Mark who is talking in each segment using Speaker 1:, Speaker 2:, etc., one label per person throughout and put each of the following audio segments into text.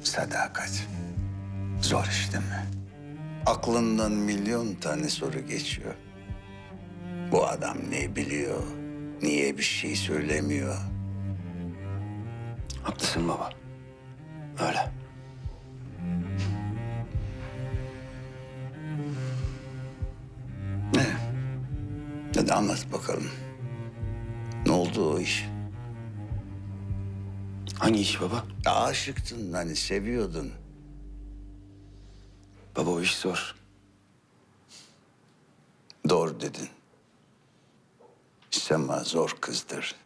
Speaker 1: Sadakat. Zor iş değil mi? Aklından milyon tane soru geçiyor. Bu adam ne biliyor? Niye bir şey söylemiyor?
Speaker 2: Haklısın baba. Öyle.
Speaker 1: Ne? Hadi anlat bakalım. Ne oldu o iş?
Speaker 2: Hangi iş baba?
Speaker 1: Aşıktın hani seviyordun.
Speaker 2: Baba o iş zor.
Speaker 1: Doğru dedin. Sema zor kızdır.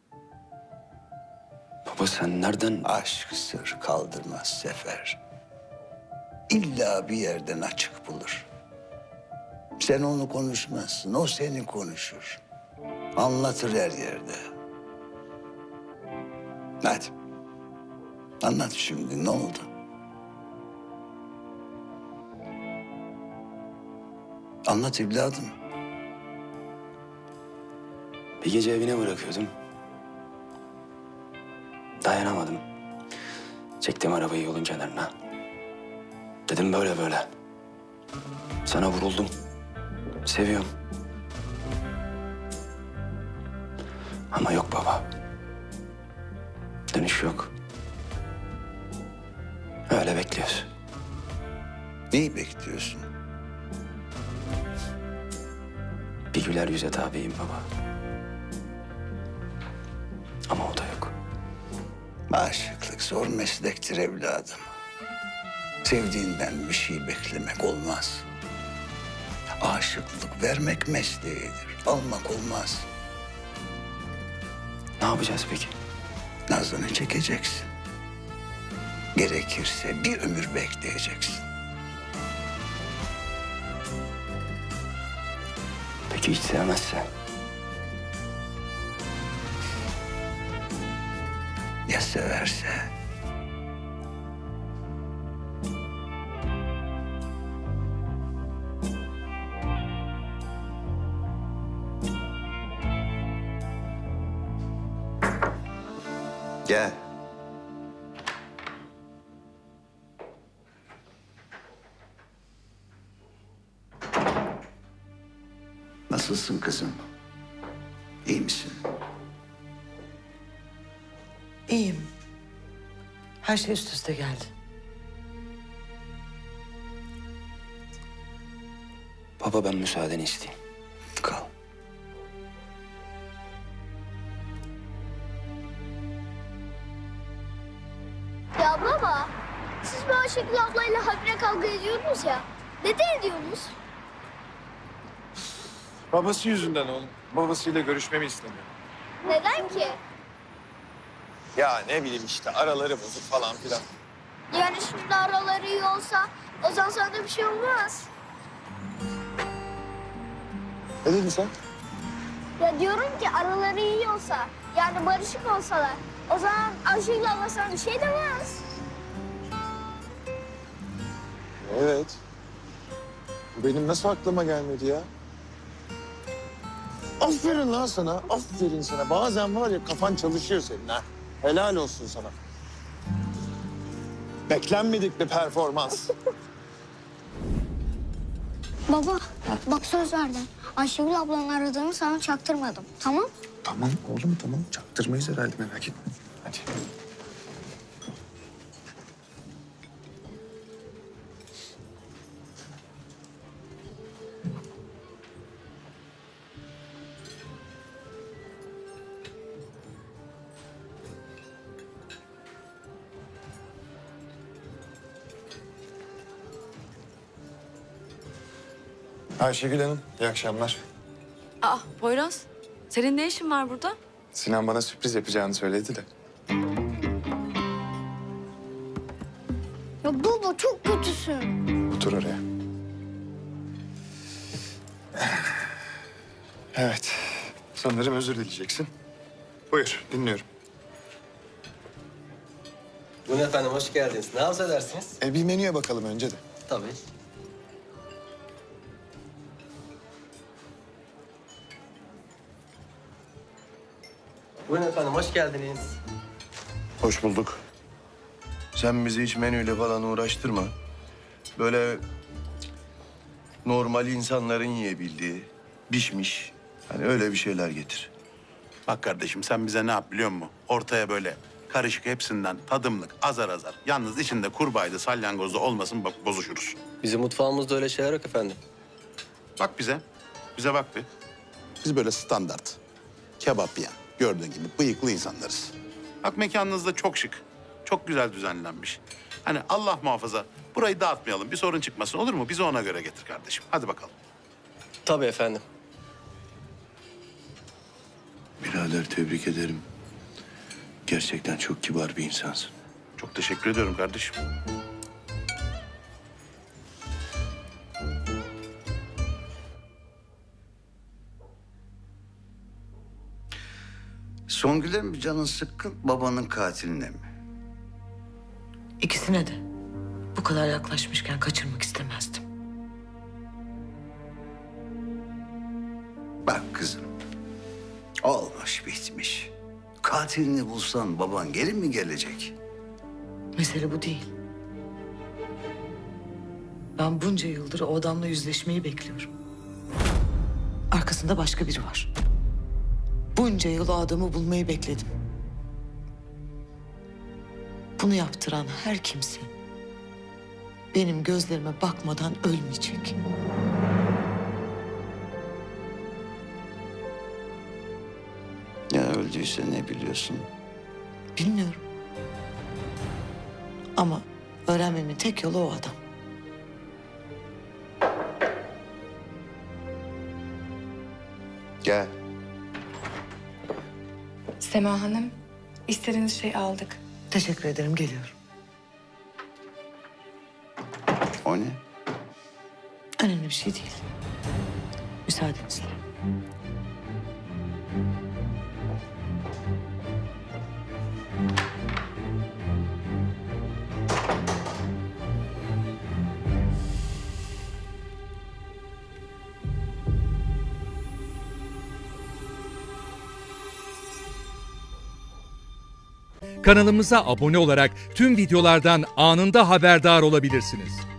Speaker 2: Baba sen nereden...
Speaker 1: Aşk sır kaldırmaz Sefer. İlla bir yerden açık bulur. Sen onu konuşmazsın, o seni konuşur. Anlatır her yerde. Hadi. Anlat şimdi, ne oldu? Anlat evladım.
Speaker 2: Bir gece evine bırakıyordum. Dayanamadım. Çektim arabayı yolun kenarına. Dedim böyle böyle. Sana vuruldum. Seviyorum. Ama yok baba. Dönüş yok. Öyle bekliyoruz.
Speaker 1: Neyi bekliyorsun?
Speaker 2: Bir güler yüze tabiyim baba. Ama o da yok.
Speaker 1: Aşıklık zor meslektir evladım. Sevdiğinden bir şey beklemek olmaz. Aşıklık vermek mesleğidir, almak olmaz.
Speaker 2: Ne yapacağız peki?
Speaker 1: Nazını çekeceksin. Gerekirse bir ömür bekleyeceksin.
Speaker 2: Peki hiç sevmezse?
Speaker 1: Ya severse? Gel. Nasılsın kızım? İyi misin?
Speaker 3: İyiyim. Her şey üst üste geldi.
Speaker 2: Baba ben müsaadeni isteyeyim.
Speaker 1: Kal.
Speaker 4: Ya baba, siz bu Ayşegül ablayla habire kavga ediyordunuz ya. Neden ediyorsunuz?
Speaker 5: Babası yüzünden oğlum. Babasıyla görüşmemi istemiyor.
Speaker 4: Neden ki?
Speaker 5: Ya ne bileyim işte araları bozuk falan filan.
Speaker 4: Yani şimdi araları iyi olsa o zaman sana da bir şey olmaz.
Speaker 5: Ne dedin sen?
Speaker 4: Ya diyorum ki araları iyi olsa, yani barışık olsalar o zaman Ayşegül abla sana bir şey demez.
Speaker 5: Evet. Bu benim nasıl aklıma gelmedi ya? Aferin lan sana, aferin sana. Bazen var ya kafan çalışıyor senin ha. Helal olsun sana. Beklenmedik bir performans.
Speaker 4: Baba, bak söz verdim. Ayşegül ablanın aradığını sana çaktırmadım, tamam?
Speaker 5: Tamam oğlum tamam. Çaktırmayız herhalde merak etme. Hadi. Ayşegül Hanım, iyi akşamlar.
Speaker 6: Aa Poyraz, senin ne işin var burada?
Speaker 5: Sinan bana sürpriz yapacağını söyledi de.
Speaker 4: Ya baba çok kötüsün.
Speaker 5: Otur oraya. Evet. Sanırım özür dileyeceksin. Buyur, dinliyorum.
Speaker 7: Buyurun efendim, hoş geldiniz. Ne arzu edersiniz?
Speaker 5: Bir menüye bakalım önce de.
Speaker 7: Tabii. Buyurun efendim, hoş geldiniz.
Speaker 5: Hoş bulduk.
Speaker 8: Sen bizi hiç menüyle falan uğraştırma. Böyle normal insanların yiyebildiği, pişmiş, hani öyle bir şeyler getir.
Speaker 9: Bak kardeşim sen bize ne yap biliyor musun? Ortaya böyle karışık hepsinden tadımlık azar azar. Yalnız içinde kurbağaydı salyangozda olmasın bak bozuşuruz.
Speaker 7: Bizim mutfağımızda öyle şeyler yok efendim.
Speaker 9: Bak bize. Bize bak bir. Biz böyle standart. Kebap yiyen, gördüğün gibi bıyıklı insanlarız. Bak mekanınız da çok şık. Çok güzel düzenlenmiş. Hani Allah muhafaza burayı dağıtmayalım. Bir sorun çıkmasın olur mu? Bizi ona göre getir kardeşim. Hadi bakalım.
Speaker 7: Tabii efendim.
Speaker 8: Birader tebrik ederim. Gerçekten çok kibar bir insansın.
Speaker 9: Çok teşekkür ediyorum kardeşim.
Speaker 1: Songül'e mi canın sıkkın, babanın katiline mi?
Speaker 3: İkisine de. Bu kadar yaklaşmışken kaçırmak istemezdim.
Speaker 1: Bak kızım, olmuş bitmiş. Katilini bulsan baban geri mi gelecek?
Speaker 3: Mesele bu değil. Ben bunca yıldır o adamla yüzleşmeyi bekliyorum. Arkasında başka biri var. Bunca yıl o adamı bulmayı bekledim. Bunu yaptıran her kimse benim gözlerime bakmadan ölmeyecek.
Speaker 1: Ya öldüyse ne biliyorsun?
Speaker 3: Bilmiyorum. Ama öğrenmemin tek yolu o adam.
Speaker 1: Gel.
Speaker 10: Sema Hanım, istediğiniz şeyi aldık.
Speaker 3: Teşekkür ederim, geliyorum.
Speaker 1: O ne?
Speaker 3: Önemli bir şey değil. Müsaadenizle.
Speaker 11: Kanalımıza abone olarak tüm videolardan anında haberdar olabilirsiniz.